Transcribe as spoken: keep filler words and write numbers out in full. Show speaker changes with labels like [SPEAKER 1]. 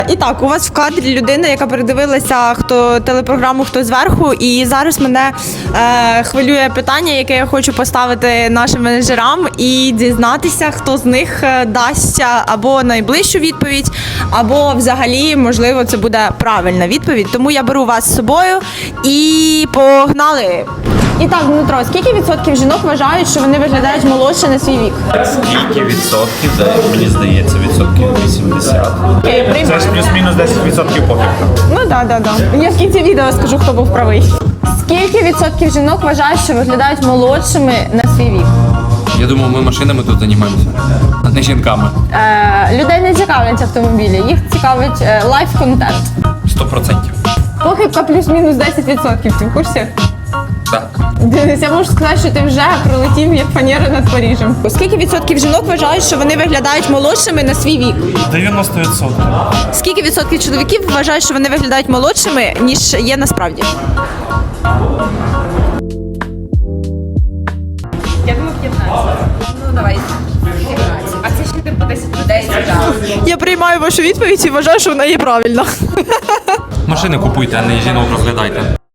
[SPEAKER 1] І так, у вас в кадрі людина, яка передивилася хто телепрограму «Хто зверху», і зараз мене е, хвилює питання, яке я хочу поставити нашим менеджерам і дізнатися, хто з них дасть або найближчу відповідь, або взагалі, можливо, це буде правильна відповідь. Тому я беру вас з собою і погнали! І так, Дмитро, скільки відсотків жінок вважають, що вони виглядають молодше на свій вік?
[SPEAKER 2] Скільки відсотків? Да, мені здається, відсотків вісімдесят.
[SPEAKER 1] Окей,
[SPEAKER 3] Це
[SPEAKER 1] приймаю.
[SPEAKER 3] ж плюс-мінус десять відсотків похибка.
[SPEAKER 1] Ну так, так, так. Я в кінці відео скажу, хто був правий. Скільки відсотків жінок вважають, що виглядають молодшими на свій вік?
[SPEAKER 4] Я думаю, ми машинами тут займаємося, а не жінками.
[SPEAKER 1] Е, людей не цікавлять автомобілі, їх цікавить е, лайф-контент.
[SPEAKER 4] Сто процентів.
[SPEAKER 1] Похибка плюс-мінус десять відсотків, ти в курсі?
[SPEAKER 4] Так.
[SPEAKER 1] Денис, я можу сказати, що ти вже пролетів як фанера над Парижем. Скільки відсотків жінок вважають, що вони виглядають молодшими на свій вік?
[SPEAKER 3] дев'яносто відсотків.
[SPEAKER 1] Скільки відсотків чоловіків вважають, що вони виглядають молодшими, ніж є насправді?
[SPEAKER 5] Я думаю, п'ятнадцять. Ну, давай, п'ятнадцять. А це ще типу десять людей сюди.
[SPEAKER 1] Я приймаю вашу відповідь і вважаю, що вона є правильна.
[SPEAKER 4] Машини купуйте, а не жінок розглядайте.